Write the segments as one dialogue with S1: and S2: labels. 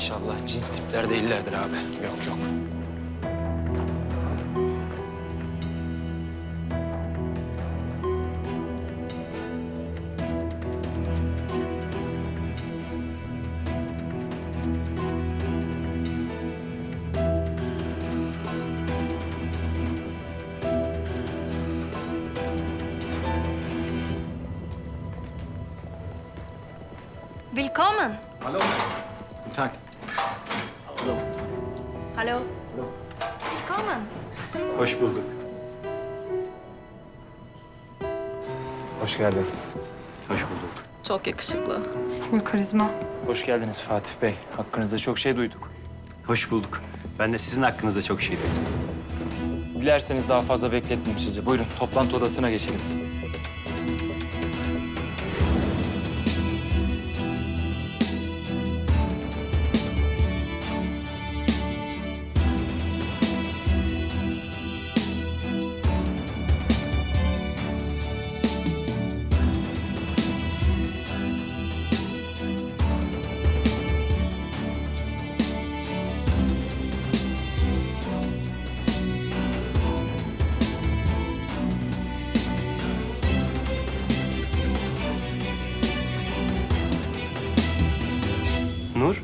S1: İnşallah cins tipler değillerdir abi.
S2: Yok yok.
S3: Willkommen.
S2: Hallo. Guten Tag.
S3: Hallo. Willkommen.
S1: Hoş bulduk.
S2: Hoş geldiniz.
S1: Hoş bulduk.
S3: Çok yakışıklı.
S4: Full karizma.
S5: Hoş geldiniz Fatih Bey. Hakkınızda çok şey duyduk.
S1: Hoş bulduk. Ben de sizin hakkınızda çok şey duydum.
S5: Dilerseniz daha fazla bekletmeyeyim sizi. Buyurun toplantı odasına geçelim.
S1: Nur,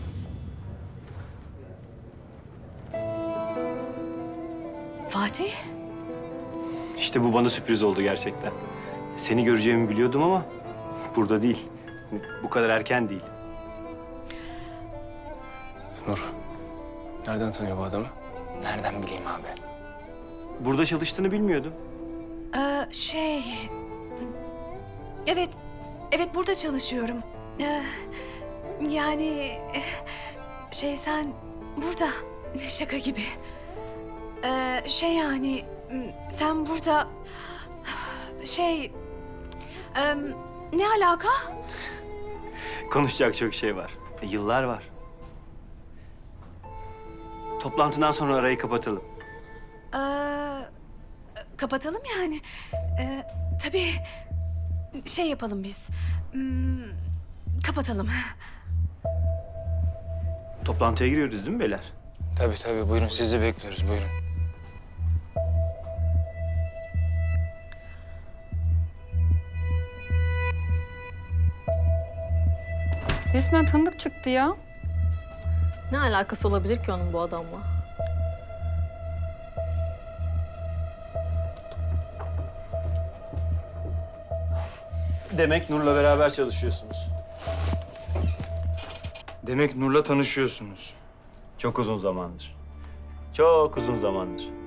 S3: Fatih?
S1: işte bu bana sürpriz oldu gerçekten. Seni göreceğimi biliyordum ama burada değil. Bu kadar erken değil.
S2: Nur. Nereden tanıyor bu adamı?
S5: Nereden bileyim abi?
S1: Burada çalıştığını bilmiyordum.
S6: Evet, evet burada çalışıyorum. Yani sen burada şaka gibi. Yani sen burada ne alaka?
S1: Konuşacak çok şey var. Yıllar var. Toplantıdan sonra arayı kapatalım.
S6: Kapatalım yani. Tabii yapalım biz. Kapatalım.
S1: Toplantıya giriyoruz değil mi beyler?
S5: Tabii buyurun sizi bekliyoruz buyurun.
S4: Resmen tanıdık çıktı ya.
S3: Ne alakası olabilir ki onun bu adamla?
S1: Demek Nur'la beraber çalışıyorsunuz.
S5: Demek Nur'la tanışıyorsunuz.
S1: Çok uzun zamandır. Çok uzun zamandır.